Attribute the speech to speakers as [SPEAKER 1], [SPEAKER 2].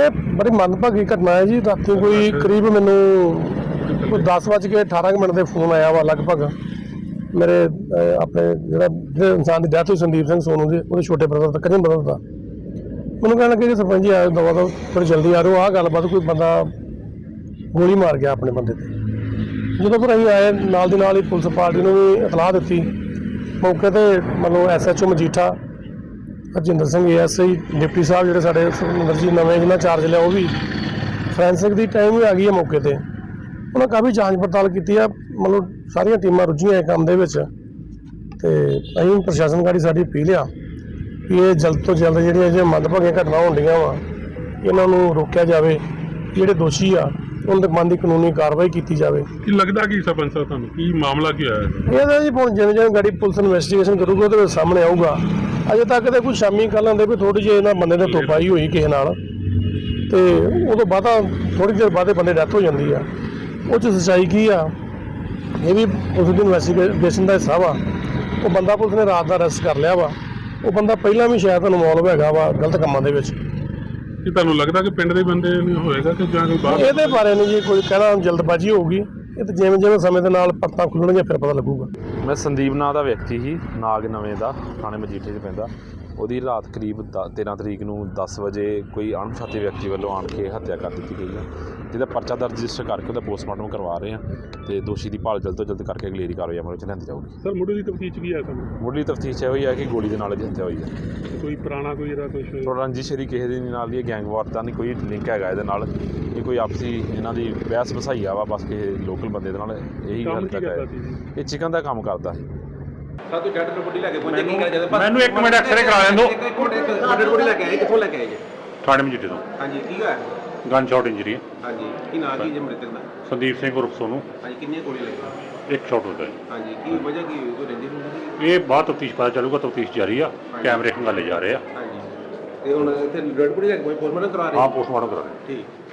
[SPEAKER 1] ਇਹ ਬੜੀ ਮੰਦਭਾਗੀ ਘਟਨਾ ਹੈ ਜੀ। ਰਾਤੀ ਕੋਈ ਕਰੀਬ ਮੈਨੂੰ 10:18 ਦੇ ਫੋਨ ਆਇਆ ਵਾ ਲਗਭਗ ਮੇਰੇ ਆਪਣੇ ਜਿਹੜੇ ਇਨਸਾਨ ਦੀ ਡੈਥ ਹੋਈ ਸੰਦੀਪ ਸਿੰਘ ਸੋਨੂ ਦੀ, ਉਹਦੇ ਛੋਟੇ ਬ੍ਰਦਰ ਦਾ, ਕਜ਼ਨ ਬ੍ਰਦਰ ਦਾ। ਮੈਨੂੰ ਕਹਿਣ ਲੱਗੇ ਕਿ ਸਰਪੰਚ ਜੀ ਆਇਓ ਦਵਾ ਦੋ, ਥੋੜ੍ਹੀ ਜਲਦੀ ਆ ਰਹੋ, ਆਹ ਗੱਲਬਾਤ ਕੋਈ ਬੰਦਾ ਗੋਲੀ ਮਾਰ ਗਿਆ ਆਪਣੇ ਬੰਦੇ ਤੇ। ਜਦੋਂ ਫਿਰ ਅਸੀਂ ਆਏ ਨਾਲ ਦੀ ਨਾਲ ਹੀ ਪੁਲਿਸ ਪਾਰਟੀ ਨੂੰ ਵੀ ਇਤਲਾਹ ਦਿੱਤੀ। ਮੌਕੇ ਤੇ ਮਤਲਬ SHO Majitha Harjinder Singh ASI deputy ਸਾਹਿਬ ਜਿਹੜੇ ਸਾਡੇ ਸੁਖਮਿੰਦਰ ਜੀ ਨਵੇਂ ਜਿਹਨਾਂ ਚਾਰਜ ਲਿਆ, ਉਹ ਵੀ ਫੋਰੈਂਸਿਕ ਦੀ ਟਾਈਮ ਵੀ ਆ ਗਈ ਹੈ ਮੌਕੇ ਤੇ। ਉਹਨਾਂ ਕਾਫੀ ਜਾਂਚ ਪੜਤਾਲ ਕੀਤੀ ਆ, ਮਤਲਬ ਸਾਰੀਆਂ ਟੀਮਾਂ ਰੁੱਝੀਆਂ ਇਹ ਕੰਮ ਦੇ ਵਿੱਚ। ਤੇ ਅਸੀਂ ਪ੍ਰਸ਼ਾਸਨ ਗਾੜੀ ਸਾਡੀ ਅਪੀਲ ਆ ਕਿ ਇਹ ਜਲਦ ਤੋਂ ਜਲਦ ਜਿਹੜੀਆਂ ਮੰਦਭਾਗੀਆਂ ਘਟਨਾ ਹੁੰਦੀਆਂ ਵਾ ਇਹਨਾਂ ਨੂੰ ਰੋਕਿਆ ਜਾਵੇ। ਜਿਹੜੇ ਦੋਸ਼ੀ ਆ ਉਹਨਾਂ ਦੇ ਮਨ ਦੀ ਕਾਨੂੰਨੀ ਕਾਰਵਾਈ ਕੀਤੀ ਜਾਵੇ।
[SPEAKER 2] ਕੀ ਲੱਗਦਾ ਕਿ ਸਰਪੰਚ ਸਾਹਿਬ ਤੁਹਾਨੂੰ ਕੀ ਮਾਮਲਾ ਕੀ ਹੋਇਆ
[SPEAKER 1] ਇਹਦਾ ਜੀ ਹੁਣ ਜਿਵੇਂ ਗਾੜੀ ਪੁਲਿਸ ਇਨਵੈਸਟੀਗੇਸ਼ਨ ਕਰੂਗੀ ਉਹਦੇ ਵਿੱਚ ਸਾਹਮਣੇ ਆਊਗਾ। ਅਜੇ ਤੱਕ ਤਾਂ ਕੋਈ ਸ਼ਾਮੀ ਕੱਲ੍ਹ ਆਉਂਦੇ ਵੀ ਥੋੜ੍ਹੀ ਜਿਹੀ ਇਹਨਾਂ ਬੰਦੇ ਨੇ ਤੋਪਾਈ ਹੋਈ ਕਿਸੇ ਨਾਲ, ਤੇ ਉਹ ਤੋਂ ਬਾਅਦ ਥੋੜ੍ਹੀ ਦੇਰ ਬਾਅਦ ਬੰਦੇ ਡੈਥ ਹੋ ਜਾਂਦੀ ਆ। ਉਹ 'ਚ ਸੱਚਾਈ ਕੀ ਆ ਇਹ ਵੀ ਪੁਲਿਸ ਦੀ ਇਨਵੈਸਟੀਗੇਸ਼ਨ ਦਾ ਹਿੱਸਾ ਵਾ। ਉਹ ਬੰਦਾ ਪੁਲਿਸ ਨੇ ਰਾਤ ਦਾ ਅਰੈਸਟ ਕਰ ਲਿਆ ਵਾ। ਉਹ ਬੰਦਾ ਪਹਿਲਾਂ ਵੀ ਸ਼ਾਇਦ ਇਨਵੋਲਵ ਹੈਗਾ ਵਾ ਗਲਤ ਕੰਮਾਂ ਦੇ ਵਿੱਚ।
[SPEAKER 2] ਕੀ ਤੁਹਾਨੂੰ ਲੱਗਦਾ ਕਿ ਪਿੰਡ ਦੇ ਬੰਦੇ ਨੂੰ ਹੋਏਗਾ ਕਿ ਜਾਂ ਕੋਈ ਬਾਹਰ?
[SPEAKER 1] ਇਹਦੇ ਬਾਰੇ ਨਹੀਂ ਜੀ ਕੋਈ ਕਹਿਣਾ, ਜਲਦਬਾਜ਼ੀ ਹੋਊਗੀ। ਇਹ ਤਾਂ ਜਿਵੇਂ ਜਿਵੇਂ ਸਮੇਂ ਦੇ ਨਾਲ ਪਰਤਾਂ ਖੁੱਲਣਗੀਆਂ ਫਿਰ ਪਤਾ ਲੱਗੂਗਾ।
[SPEAKER 3] ਮੈਂ ਸੰਦੀਪ ਨਾਂ ਦਾ ਵਿਅਕਤੀ ਸੀ, ਨਾਗ ਨਵੇਂ ਦਾ, ਥਾਣੇ ਮਜੀਠੇ 'ਚ ਪੈਂਦਾ। ਉਹਦੀ ਰਾਤ ਕਰੀਬ 13 ਤਰੀਕ ਨੂੰ 10 ਵਜੇ ਕੋਈ ਅਣਪਛਾਤੇ ਵਿਅਕਤੀ ਵੱਲੋਂ ਆਣ ਕੇ ਹੱਤਿਆ ਕਰ ਦਿੱਤੀ ਗਈ ਹੈ, ਜਿਹਦਾ ਪਰਚਾ ਦਰਜ ਰਜਿਸਟਰ ਕਰਕੇ ਉਹਦਾ ਪੋਸਟਮਾਰਟਮ ਕਰਵਾ ਰਹੇ ਹਾਂ ਅਤੇ ਦੋਸ਼ੀ ਦੀ ਭਾਲ ਜਲਦ ਤੋਂ ਜਲਦ ਕਰਕੇ ਅਗਲੇਰੀ ਕਾਰਵਾਈ ਅਮਲ ਵਿੱਚ ਲਿਆਂਦੀ ਜਾਊਗੀ।
[SPEAKER 2] ਸਰ ਮੁੱਢਲੀ ਤਫਤੀਸ਼ ਕੀ ਹੈ ਸਾਨੂੰ?
[SPEAKER 3] ਮੁੱਢਲੀ ਤਫਤੀਸ਼ ਇਹੋ ਹੀ ਹੈ ਕਿ ਗੋਲੀ ਦੇ ਨਾਲ ਇਹਦੀ ਹੱਤਿਆ ਹੋਈ ਹੈ।
[SPEAKER 2] ਕੋਈ ਪੁਰਾਣਾ ਕੋਈ ਇਹਦਾ ਕੁਛ
[SPEAKER 3] ਰੰਜਿਸ਼ ਇਹਦੀ ਕਿਸੇ ਦੇ ਨਾਲ ਦੀ ਗੈਂਗ ਵਾਰ ਦਾ ਨਹੀਂ ਕੋਈ ਲਿੰਕ ਹੈਗਾ ਇਹਦੇ ਨਾਲ। ਇਹ ਕੋਈ ਆਪਸੀ ਇਹਨਾਂ ਦੀ ਬਹਿਸ ਵਸਾਈਆ ਵਾ ਬਸ ਕਿਸੇ ਲੋਕਲ ਬੰਦੇ ਦੇ ਨਾਲ, ਇਹੀ ਗੱਲ ਤੱਕ ਹੈ। ਇਹ ਚਿਕਨ ਦਾ ਕੰਮ ਕਰਦਾ ਸੀ।
[SPEAKER 4] ਸਾਤੋਂ ਜੱਟ ਰਿਪੋਰਟ ਲੈ ਕੇ ਪਹੁੰਚੇ ਕੀ ਕਰ ਜਦੋਂ
[SPEAKER 5] ਮੈਨੂੰ 1 ਮਿੰਟ ਐਕਸਰੇ ਕਰਾ ਲੈਣ ਦਿਓ।
[SPEAKER 4] ਜੱਟ ਰਿਪੋਰਟ ਲੈ ਕੇ ਆਏ, ਕਿੱਥੋਂ ਲੈ ਕੇ ਆਏ ਜੀ?
[SPEAKER 5] ਥਾਣੇ ਮਜੀਠੇ ਤੋਂ।
[SPEAKER 4] ਹਾਂਜੀ ਕੀ ਹੋਇਆ?
[SPEAKER 5] ਗਨ ਸ਼ਾਟ ਇੰਜਰੀ ਹੈ।
[SPEAKER 4] ਹਾਂਜੀ ਕੀ ਨਾਂ ਕੀ ਜੇ ਮ੍ਰਿਤਕ ਦਾ?
[SPEAKER 5] ਸੰਦੀਪ ਸਿੰਘ ਉਰਫ ਸੋਨੂ।
[SPEAKER 4] ਹਾਂਜੀ ਕਿੰਨੀਆਂ ਗੋਲੀਆਂ ਲੱਗੀਆਂ?
[SPEAKER 5] 1 ਸ਼ਾਟ ਹੁੰਦਾ ਹੈ।
[SPEAKER 4] ਹਾਂਜੀ ਕੀ ਵਜ੍ਹਾ ਕੀ ਹੋਈ? ਕੋਈ ਰੰਜਿਸ਼ ਹੁੰਦੀ?
[SPEAKER 5] ਇਹ ਬਾਅਦ ਤਫਤੀਸ਼ ਪਤਾ ਚੱਲੂਗਾ। ਤਫਤੀਸ਼ ਜਾਰੀ ਆ, ਕੈਮਰੇ ਖੰਗਾਲੇ ਜਾ ਰਹੇ ਆ।
[SPEAKER 4] ਹਾਂਜੀ ਤੇ ਹੁਣ ਇੱਥੇ ਰਿਪੋਰਟ ਲੈ ਕੇ ਪੋਸਟਮਾਰਟਮ ਕਰਾ ਰਹੇ?
[SPEAKER 5] ਹਾਂ ਪੋਸਟਮਾਰਟਮ ਕਰਾ ਰਹੇ।
[SPEAKER 4] ਠੀਕ।